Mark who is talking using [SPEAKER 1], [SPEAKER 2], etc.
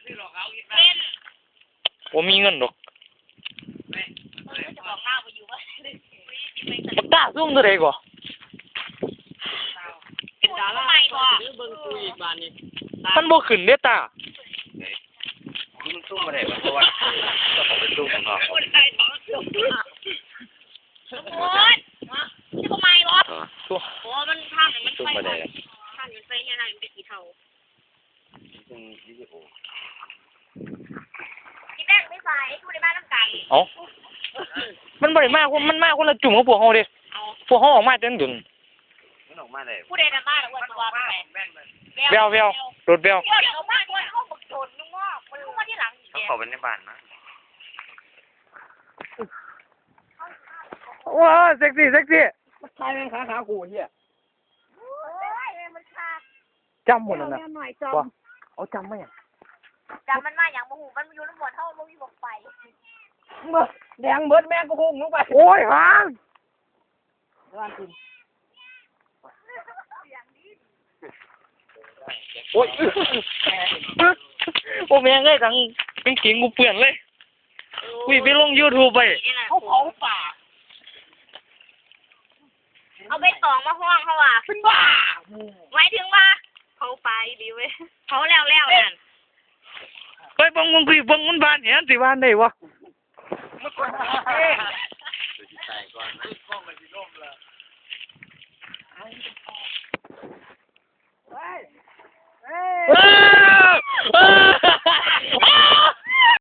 [SPEAKER 1] ผมมีเงินดอกปากกาซุ่มตัวใดก่อมันบ่ขึ้นเด้ตา
[SPEAKER 2] มันซุ่มมาได้เพราะว่าเขาเป็นซุ่มของเรา
[SPEAKER 3] โอ้ยที่ทำไมวะโอ้มันทางมันไปทางมันไปยังไงมันไปกี่เท่า
[SPEAKER 2] ซึ่งวิดีโอ
[SPEAKER 3] ที่แม่ไม่ใส่ดูในบ้านน้ำไก่
[SPEAKER 1] เอ้ามันบ่ได้มากมันมากคนละจุ่มกับพวกเฮาเด้พวกเฮาออกมาจังดุน
[SPEAKER 2] มันออกมาได้
[SPEAKER 3] ผู้ใดในบ้านหรือว่าตัวแม่
[SPEAKER 1] แววรถแวว
[SPEAKER 3] เขาบ้านด้วยเขาบักโดนนุ่งว่ามันรู้ว่าที่หลัง
[SPEAKER 2] เขาเข้าไปในบ้านนะ
[SPEAKER 1] ว้าเซ็กซี่
[SPEAKER 4] ชายแม่งขาขู่เหี้ย
[SPEAKER 1] จำหมดแล้วนะว่าเอาจำไหมอ่ะ
[SPEAKER 3] จำมันมาอย่างโมโหมันอยู่น้ำบนเท่ามันมีบอกไป
[SPEAKER 4] แดงเบิดแม่งก็พุ่งลงไป
[SPEAKER 1] โอ้ยหางโอ้ยโอ้แม่งไอ้ทั้งเป็นขิงกูเปื่อนเลยวิ่งไปลง YouTube ไป
[SPEAKER 4] เขาเผาป่า
[SPEAKER 3] เอาไปตองมาห้องเขาว่ะ
[SPEAKER 4] เป็นบ้า
[SPEAKER 3] ไว้ถึงว่าเขาไปดีเว้ยเขาแล้วนั่น
[SPEAKER 1] ไปบังมันบานเห็นสิบานได้วะ